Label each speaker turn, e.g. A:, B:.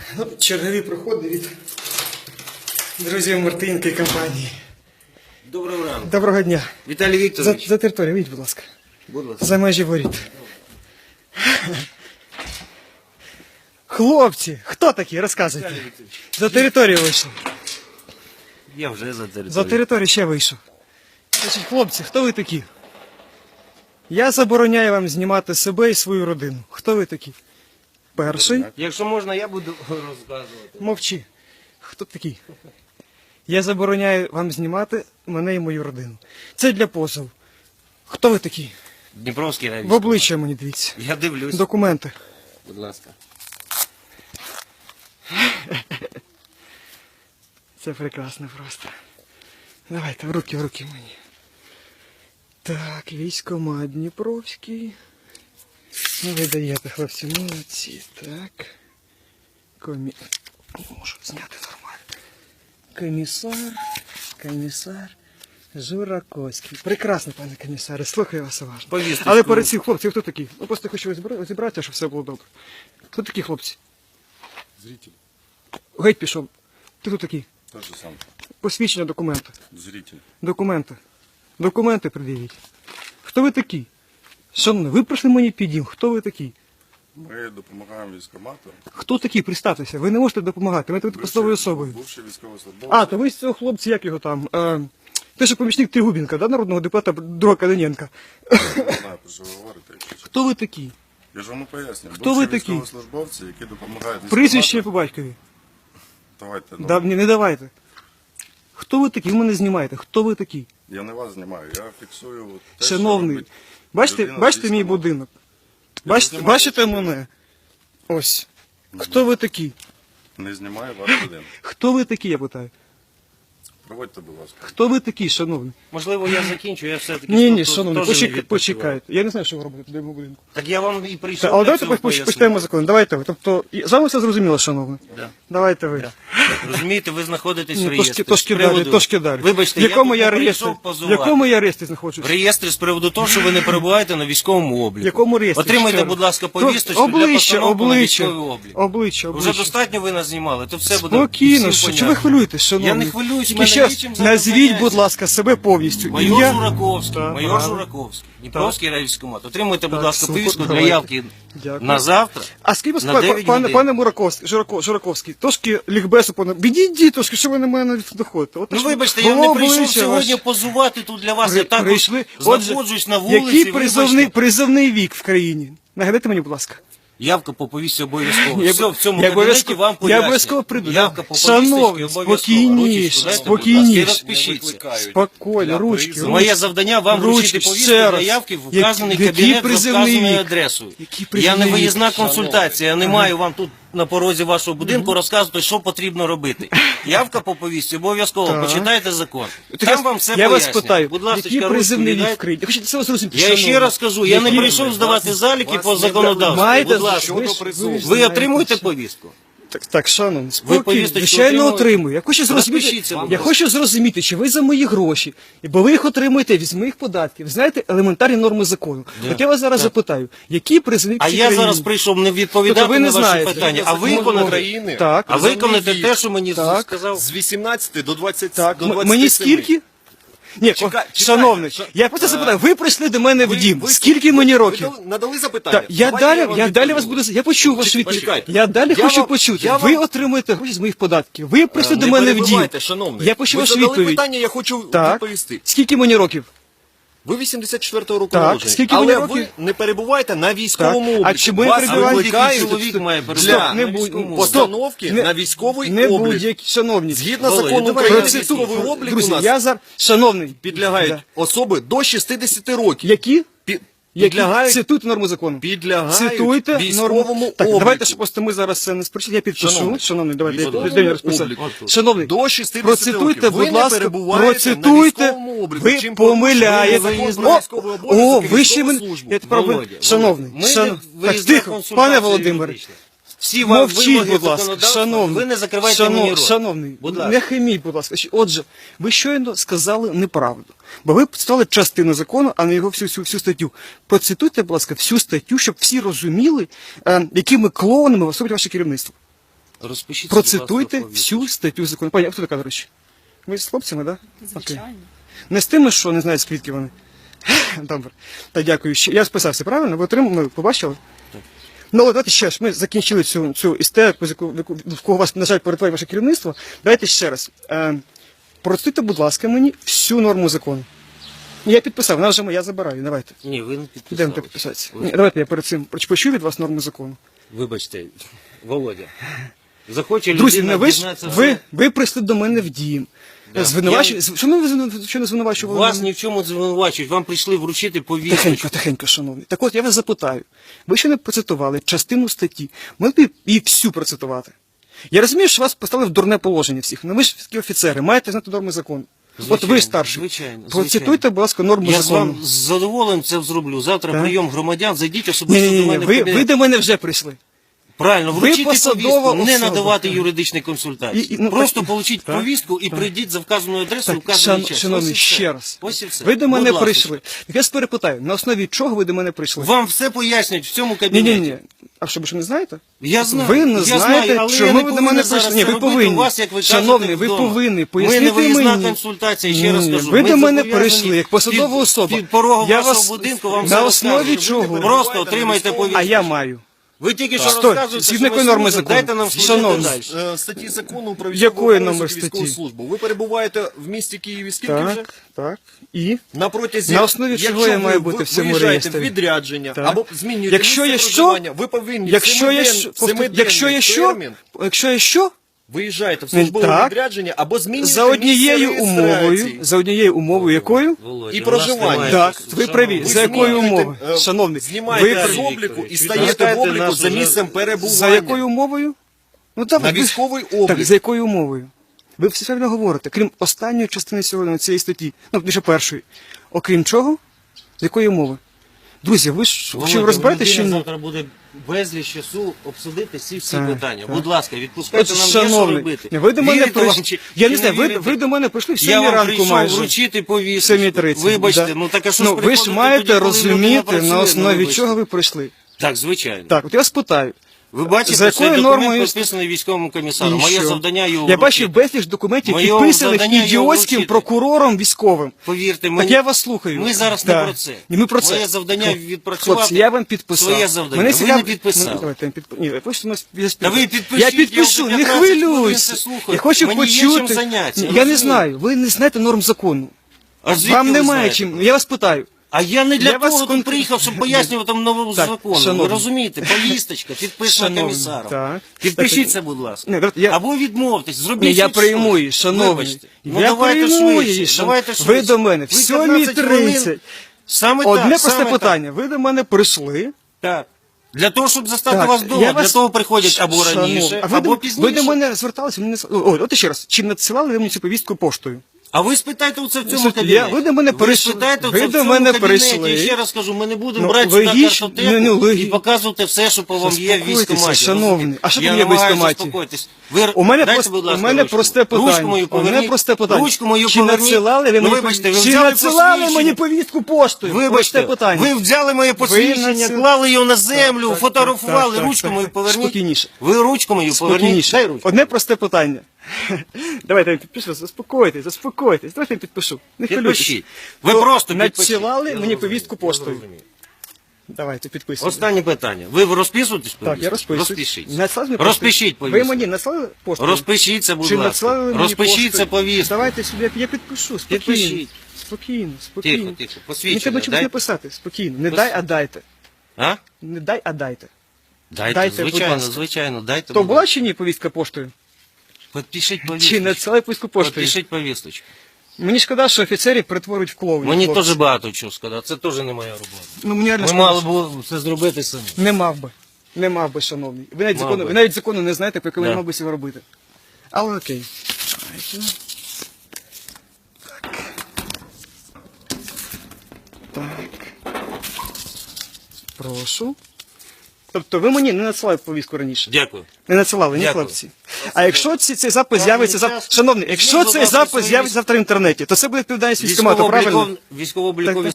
A: Ну, чергові проходи від друзів Мартинки і компанії.
B: Доброго ранку.
A: Доброго дня.
B: Віталій Вікторович.
A: За територію, вийдіть, будь ласка.
B: Будь ласка.
A: За межі воріт. Хлопці, хто такі? Розказуйте.
B: Віталій Вікторович.
A: За територію вийшов.
B: Я вже за територію.
A: За територію ще вийшов. Значить, хлопці, хто ви такі? Я забороняю вам знімати себе і свою родину. Хто ви такі? Перший.
B: Якщо можна, я буду розказувати.
A: Мовчи. Хто такий? Я забороняю вам знімати мене і мою родину. Це для позову. Хто ви такі?
B: Дніпровський райвійськ.
A: В обличчя мені дивіться.
B: Я дивлюсь.
A: Документи.
B: Будь ласка.
A: Це прекрасно просто. Давайте, в руки мені. Так, військкомат Дніпровський. Ну, ви даєте, хлопці, молодці. Так. Можу зняти нормально. Комісар Жураковський. Прекрасно, пане комісаре, слухаю вас уважно.
B: Повісточку.
A: Але перед цим, хлопці, хто такий? Ну, просто хочу розібратися, щоб все було добре. Хто такі хлопці?
C: Зритель.
A: Геть пішов. Ти хто такий?
C: Тот же сам.
A: Посвідчення, документи.
C: Зритель.
A: Документи. Документи пред'явіть. Хто ви такі? Шановні, ви прийшли мені під дім. Хто ви такі?
C: Ми допомагаємо військкомату.
A: Хто такі? Представтеся. Ви не можете допомагати. Ви будете посадовою особою.
C: Бувший військовослужбовець.
A: А, то ви з цього хлопця, як його там? Ти ж помічник Тригубенка, да, народного депутата друга Калиненка.
C: Я не знаю, про що ви говорите. якщо чесно.
A: Хто ви такі?
C: Я ж вам пояснюю.
A: Хто ви такі?
C: Військовослужбовці, які допомагають
A: Прізвище по батькові.
C: Давайте, ну,
A: Да, ні, не давайте. Хто ви такі? Ви мене знімаєте. Хто ви такі?
C: я не вас знімаю, я фіксую те,
A: Шановний,
C: що
A: бачите,
C: людина
A: бачите мій
C: військкомату.
A: будинок?
C: Я
A: Бачите,
C: знімаю
A: бачите
C: це.
A: мене? Ось. Хто ви такі?
C: Не знімаю ваш будинок.
A: Хто ви такі, я питаю?
C: Проводьте, будь ласка.
A: Хто ви такі, шановні?
B: Можливо, я закінчу, я все-таки...
A: Ні,
B: тут
A: шановні,
B: теж не відпочиваю.
A: почекайте. Я не знаю, що ви робите туди в моєму будинку.
B: Так я вам і прийшов.
A: Але
B: для
A: давайте
B: цього пояснити.
A: почитаємо закон. Давайте ви. Тобто, з вами все зрозуміло, шановні.
B: Да.
A: Давайте ви.
B: Да. Розумієте, ви знаходитесь в
A: Ні,
B: реєстрі.
A: трошки
B: З приводу-
A: далі, трошки далі.
B: Вибачте,
A: в якому
B: я
A: я
B: тут не
A: реєстрі?
B: прийшов
A: В
B: позувати.
A: якому я реєстрі знаходжусь?
B: В реєстрі з приводу того, що ви не перебуваєте на військовому обліку.
A: В якому реєстрі?
B: Отримайте,
A: Ще
B: будь
A: раз.
B: ласка, повісточку для
A: обличчя,
B: постановки на
A: обличчя,
B: військовий облік.
A: обличчя.
B: Вже достатньо ви нас знімали, то все буде
A: Спокійно,
B: всім
A: що ви
B: понятно.
A: хвилюєтесь, шановні?
B: Я не хвилююсь,
A: Тільки
B: мене
A: ще раз
B: нічим
A: назвіть,
B: забороняється.
A: будь ласка, себе повністю.
B: Майор
A: Ім'я?
B: Жураковський,
A: Так,
B: майор
A: правильно.
B: Жураковський, Дніпровський райвійськкомат. Отримуйте, будь
A: Так,
B: ласка,
A: супер,
B: повістку для
A: давайте.
B: явки
A: Дякую.
B: на завтра.
A: А скажіть,
B: На
A: пане,
B: 9
A: пане,
B: годин.
A: пане Жураковський, трошки лікбесу, відійдіть трошки, що ви на мене доходите. От,
B: Ну
A: що
B: вибачте, я не
A: було
B: прийшов
A: обличчя
B: сьогодні
A: ваше.
B: позувати тут для вас. Я також
A: Прийшли. Отже,
B: знаходжусь на вулиці.
A: який
B: вибачте.
A: призовний вік в країні? Нагадайте мені, будь ласка.
B: Явка по повістці обов'язково.
A: Я-
B: Все, в цьому
A: я
B: кабінеті
A: обов'язково-
B: вам
A: я
B: пояснюю.
A: обов'язково прийду.
B: Явка по
A: Шановні,
B: повістці обов'язково.
A: спокійніше,
B: Ручечку дайте,
A: спокійніше.
B: будь ласка, і розпишіться.
A: Спокійно, ручки.
B: Моє завдання вам
A: Ручки,
B: вручити повістку
A: ще
B: для
A: раз.
B: явки в вказаний
A: Який
B: кабінет за
A: призовний
B: вказаною
A: вік?
B: адресою.
A: Який
B: Я
A: призовний
B: не
A: вік?
B: виїзна консультація, я не маю вам тут на порозі вашого будинку розказувати, що потрібно робити. Явка по повістці обов'язково,
A: Так.
B: почитайте закон.
A: Так,
B: Там вам все
A: я вас
B: пояснять.
A: питаю,
B: Будь ласка,
A: який призовний вік в
B: віддайте.
A: країні? Я хочу це зрозуміти.
B: Я ще раз кажу, я не прийшов здавати заліки по законодавству.
A: Маєте
B: Будь ласка,
A: ви
B: ви отримуєте повістку?
A: Так, шановні, спокійно,
B: повісточку
A: звичайно,
B: отримуєте?
A: отримую. Я хочу зрозуміти,
B: Розпишіться, будь
A: я
B: ласка.
A: хочу зрозуміти, чи ви за мої гроші, бо ви їх отримуєте з моїх податків. Знаєте, елементарні норми закону. От я вас зараз запитаю, які призовник
B: А я зараз прийшов не відповідати
A: Тобто ви не
B: на ваші
A: знаєте.
B: питання, а
A: Закон
B: виконати.
D: України.
A: Так,
B: А виконати те, що мені
A: Так.
B: сказав.
D: З 18 до 20
A: так.
D: до 27.
A: Мені скільки? Ні,
D: Чекай,
A: шановний,
D: чекай.
A: я просто запитаю, ви прийшли до мене в дім,
D: ви-
A: скільки мені років?
D: Ви надали запитання.
A: Так, я
D: Давайте вам
A: далі вас
D: відповім.
A: буду. Я почув вашу відповідь.
D: Почекайте.
A: Я далі
D: Я
A: хочу
D: вам-
A: почути.
D: я
A: Ви
D: вам-
A: отримуєте гроші з моїх податків. Ви прийшли до
D: Не
A: мене в дім.
D: перебивайте, шановний.
A: Я почув
D: Ви
A: вашу
D: задали
A: відповідь.
D: питання, я хочу
A: Так.
D: відповісти.
A: Скільки мені років?
D: Ви 84-го року
A: Так,
D: народження,
A: скільки
D: але
A: мені років?
D: ви не перебуваєте на військовому
A: Так. А
D: обліку.
A: чому я
D: Вас
A: перебиваю?
D: викликають
B: Чоловік має
D: для
B: перебувати
A: не
B: на
A: будь-
B: військовому обліку.
D: постановки
A: Не-
D: на військовий
A: Не
D: облік.
A: будь-які, шановні.
D: Згідно
B: Володя,
D: закону
B: давай
D: України,
B: я
D: військовий облік у
A: Друзі,
D: нас
A: я зараз, шановний,
D: підлягають
A: Да.
D: особи до 60 років.
A: Які?
D: Підлягають,
A: Цитуйте норму закону.
D: підлягають
A: Цитуйте
D: військовому
A: норму. Так,
D: обліку.
A: давайте, щоб просто ми зараз це не спросили. Я підпишу. Шановний, давайте,
D: військовому
A: де я розписав.
D: обліку.
A: Шановний,
D: До 60
A: процитуйте,
D: років. Ви
A: будь
D: не
A: ласка,
D: перебуваєте
A: процитуйте.
D: на військовому обліку.
A: Ви
D: Чим
A: помиляєте.
D: порушуєте закон про військовий обов'язок і
A: Ви ще
D: військову
A: мене...
D: службу.
A: Я тепер
B: Володя,
A: шановний,
B: ми
A: так,
B: виїзна
A: тихо,
B: консультація
A: пане Володимире.
B: юридична. Всі вам
A: Мовчіть,
B: вимоги
A: будь ласка,
B: законодавства,
A: шановний.
B: ви не закривайте мені рот.
A: Шановний,
B: Будь ласка.
A: не хаміть, будь ласка. Отже, ви щойно сказали неправду. Бо ви стали частину закону, а не його всю статтю. Процитуйте, будь ласка, всю статтю, щоб всі розуміли, якими клоунами виступить ваше керівництво.
B: Розпишіть, будь ласка,
A: Процитуйте
B: повістку.
A: всю статтю закону. Пані, а хто така, до речі? Ви з хлопцями, так? Да?
E: Звичайно.
A: Не з тими, що не знаю, звідки вони. Добре. Та дякую. Я списався, правильно? Ви отримали, ви побачили?
B: Так.
A: Ну, от давайте ще ж. Ми закінчили цю істерику, в кого вас, на жаль, перетворює ваше керівництво. Давайте ще раз. Процитуйте, будь ласка, мені всю норму закону. Я підписав, вона вже моя, забираю. Давайте.
B: Ні, ви не
A: Йдемо
B: підписали.
A: підписатися.
B: Ви-
A: Ні, давайте я перед цим почую від вас норму закону.
B: Вибачте, Володя. Захоче
A: Друзі,
B: людина
A: не ви ж
B: дізнатися,
A: ви прийшли до мене в дім.
B: Да.
A: Звинувачує. Чому ви що не звинувачували?
B: Вас
A: мене?
B: ні в чому не звинувачують, вам прийшли вручити повістку.
A: Тихенько, тихенько, шановні. Так от я вас запитаю. Ви ще не процитували частину статті. Могли б її всю процитувати. Я розумію, що вас поставили в дурне положення всіх. Ну ви ж такі офіцери, маєте знати норми закону. От
B: Звичайно,
A: ви старший.
B: звичайно,
A: Процитуйте, будь ласка, норму
B: Я з
A: закону.
B: вами з задоволенням це зроблю. Завтра
A: Так.
B: прийом громадян, зайдіть особисто до
A: Ні,
B: мене в
A: ви
B: кабінет.
A: до мене вже прийшли.
B: Правильно,
A: ви
B: вручити
A: посадова
B: повістку, не
A: особа.
B: надавати юридичні консультації.
A: Ну,
B: Просто
A: так,
B: получіть
A: так,
B: повістку і
A: так.
B: прийдіть за вказаною адресою,
A: Так,
B: вказаний час.
A: шановні,
B: Ось і все.
A: ще раз.
B: Ось і все.
A: Ви до мене
B: Будь ласка.
A: прийшли. Я вас перепитаю, на основі чого ви до мене прийшли?
B: Вам все пояснять в цьому кабінеті.
A: Ні. А що, ви що не знаєте?
B: Я знаю.
A: Ви не
B: я
A: знаєте,
B: знаю, але
A: чому
B: я не
A: ви до
B: повинен
A: мене
B: зараз
A: прийшли? Ні,
B: це
A: ви
B: робити
A: повинні.
B: у вас, як ви
A: Шановний,
B: кажете,
A: ви
B: вдома.
A: повинні.
B: Ми не
A: Пояснити
B: виїзна
A: мені.
B: консультація, ще раз
A: Ні,
B: кажу.
A: ви
B: Ми
A: до мене
B: зобов'язані
A: прийшли, як посадова особа.
B: Під порогом
A: Я
B: вашого
A: вас
B: будинку вам
A: на
B: все
A: основі
B: розкажуть.
A: чого?
B: Просто отримайте повістку.
A: А я маю.
B: Ви тільки що
A: Стой,
B: розказуєте,
A: згідно
B: що ви
A: якої норми
B: служите,
A: закону?
B: дайте нам служити
A: Шановні.
B: далі.
D: Статті закону про
A: Якої
D: військовий
A: номер
D: обов'язок і військову
A: статті?
D: службу. Ви перебуваєте в місті Києві скільки вже?
A: Так. І?
D: На протязі,
A: На основі чого
D: якщо
A: я маю
D: ви
A: бути в цьому
D: виїжджаєте
A: реєстрі?
D: в відрядження
A: Так.
D: або змінюєте
A: Якщо
D: місце
A: є що?
D: проживання, ви повинні
A: Якщо є
D: семиденний термін
A: якщо є що?
D: виїжджаєте в службове
A: Так.
D: відрядження або змінюєте
A: За однією
D: місце
A: умовою,
D: реєстрації.
A: за однією умовою, якою?
B: Володя,
D: І
B: у нас
D: проживання.
B: немає
A: Так,
B: часу.
A: ви праві.
B: Шановний,
A: За якою
D: змінюєте,
A: умовою? Шановний,
D: знімаєте
A: ви
D: з
A: праві.
D: обліку і
B: Так.
D: стаєте в
B: Чекайте
D: обліку
B: нас
D: за
B: уже.
D: місцем перебування.
A: За якою умовою? Ну,
D: На військовий облік.
A: Так, за якою умовою? Ви все правильно говорите, крім останньої частини цієї статті, ну, більше першої. Окрім чого? З якої умови? Друзі, ви ж
B: Володя,
A: чи
B: у
A: розбираєте,
B: людини
A: що ні?
B: завтра буде безліч часу обсудити всі
A: Так,
B: питання.
A: так.
B: Будь ласка, відпускайте
A: От,
B: нам є що
A: шановний,
B: робити.
A: ви до мене
B: Вірите
A: прийшли.
B: вам чи-
A: Я
B: чи
A: не знаю,
B: вірите?
A: ви до мене прийшли в
B: Я
A: 7
B: вам
A: ранку
B: прийшов
A: майже.
B: вручити
A: В
B: повістку.
A: 7:30.
B: Вибачте,
A: Да.
B: ну так а що
A: Ну,
B: ж
A: ви ж
B: приходите
A: маєте
B: тоді, коли людина
A: розуміти,
B: працює?
A: на
B: Ну,
A: основі
B: вибачте.
A: чого ви прийшли.
B: Так, звичайно.
A: Так, от я вас питаю.
B: Ви бачите,
A: За
B: цей
A: якою
B: документ
A: нормою-
B: підписаний військовим комісаром.
A: І
B: Моє
A: що?
B: завдання його
A: Я
B: вручити.
A: бачив безліч документів,
B: Моє
A: підписаних
B: завдання його
A: ідіотським
B: вручити.
A: прокурором військовим.
B: Повірте
A: Так
B: мені.
A: я вас слухаю.
B: Ми зараз
A: Да.
B: не про це.
A: Ні, ми про це.
B: Моє завдання відпрацювати.
A: Хлопці, я вам підписав.
B: Своє завдання.
A: Мене
B: Ви
A: цікав-
B: не підписали.
A: Ну, давайте, Ні, ви просто
B: Та ви підпишіть,
A: Я підпишу,
B: я вже
A: не
B: 15 хвилин
A: хвилюйся.
B: це слухаю.
A: Я хочу
B: Мені є
A: почути.
B: чим зайнятися,
A: Ні, я
B: розумієте?
A: не знаю, ви не знаєте норм закону.
B: А звідки
A: Вам
B: ви
A: немає
B: знаєте?
A: чим. Я вас питаю.
B: А я не для
A: Я вас
B: того тут приїхав, щоб пояснювати вам нову
A: Так,
B: закону. Ви
A: шановні.
B: розумієте? Повісточка, підписана
A: Шановні,
B: комісаром.
A: так.
B: Підпишіть
A: Так,
B: це, будь ласка.
A: Ні, давайте я-
B: Або відмовтесь, зробіть
A: Ні, я
B: щось.
A: прийму її, шановний.
B: Вибачте. Ну,
A: Я
B: давайте
A: прийму
B: швидше,
A: її,
B: давайте
A: Ви
B: швидше.
A: до мене в
B: Ви 15 хвилин.
A: 7:30.
B: Саме
A: Одне
B: так,
A: просте
B: саме
A: питання. Ви до мене прийшли.
B: Так. Для того, щоб застати
A: Так,
B: вас
A: я
B: вдома, для
A: вас-
B: того приходять або
A: Шановний,
B: раніше,
A: а ви
B: або
A: до,
B: пізніше.
A: ви до мене зверталися, мені не от ще раз, чи надсилали ви мені цю повістку поштою?
B: А ви спитайте оце в цьому
A: Слухайте,
B: кабінеті.
A: ви до мене прийшли.
B: спитайте
A: Ви
B: оце в
A: до
B: цьому
A: мене
B: кабінеті.
A: прийшли.
B: І ще раз кажу, ми не будемо
A: Ну,
B: брати сюди
A: логічно,
B: картотеку і
A: логічно.
B: показувати все, що по вам є в
A: Заспокойтеся,
B: військкоматі.
A: шановний.
B: розумієте?
A: А що
B: Я
A: там є в
B: намагаюся
A: військкоматі?
B: заспокоїтись. Ви
A: У мене,
B: дайте,
A: просто,
B: будь ласка,
A: у мене
B: ручку.
A: просте питання.
B: Ручку мою
A: У мене
B: поверніть.
A: просте питання.
B: Ручку мою
A: Чи
B: поверніть.
A: надсилали ви
B: Ну,
A: мені,
B: вибачте, ви
A: чи
B: взяли
A: надсилали
B: посвідчення?
A: мені повістку поштою?
B: Вибачте,
A: Просте питання.
B: ви взяли моє посвідчення,
A: надсил-
B: клали його на землю,
A: Так,
B: фотографували,
A: так,
B: ручку
A: так,
B: мою
A: так.
B: поверніть.
A: Спокійніше.
B: Ви ручку мою поверніть.
A: Спокійніше.
B: Дай ручку.
A: Одне просте питання. Давайте я підпишу, заспокойтесь. Давайте я підпишу. Не хвилюйтесь.
B: Підпишіть. Ви
A: То
B: просто підпишіть.
A: надсилали
B: Я
A: мені
B: зрозумів,
A: повістку
B: я
A: поштою.
B: зрозумів.
A: Давайте, підписуйте.
B: Останнє питання. Ви розписуєтесь?
A: Так, я
B: повістку?
A: розписуюсь.
B: Розпишіть.
A: Надсилали мені
B: Розпишіть
A: поштою?
B: повістку.
A: Ви мені надсилали поштою?
B: Розпишіться, будь
A: Чи
B: ласка.
A: надсилали мені
B: Розпишіться
A: поштою?
B: повістку.
A: Давайте сюди, я підпишу, спокійно.
B: Підпишіть.
A: Спокійно.
B: Тихо, тихо.
A: Не
B: Посвідчення.
A: треба чомусь
B: Дай.
A: написати, спокійно. Не дай, а дайте.
B: А?
A: Не дай, а дайте.
B: Дайте,
A: будь
B: звичайно,
A: ласка.
B: звичайно, дайте.
A: То
B: будь
A: була
B: ласка.
A: чи ні повістка поштою?
B: Підпишіть
A: Чи
B: повісточку.
A: надсилали повістку поштою?
B: Підпишіть повісточку.
A: Мені шкода, що офіцерів перетворюють в клоунів.
B: Мені
A: хлопці.
B: теж багато чого сказати, це теж не моя робота.
A: Ну, мені реально
B: Ми
A: шкода,
B: мали
A: що-
B: б це зробити самі.
A: Не мав би. Не мав би, шановний. Ви навіть,
B: Мав
A: закону,
B: би.
A: ви навіть закону не знаєте, по якому
B: Да.
A: я мав би цього робити. Але окей. Так. Прошу. Тобто ви мені не надсилали повістку раніше?
B: Дякую.
A: Не надсилали, ні,
B: Дякую.
A: хлопці? А якщо цей запис з'явиться завтра...
B: час.
A: Шановний, якщо
B: Візьміть, будь
A: цей
B: ласка,
A: запис
B: свої
A: з'явиться завтра в інтернеті, то це буде відповідальність військкомату, правильно?
B: Військово-облікові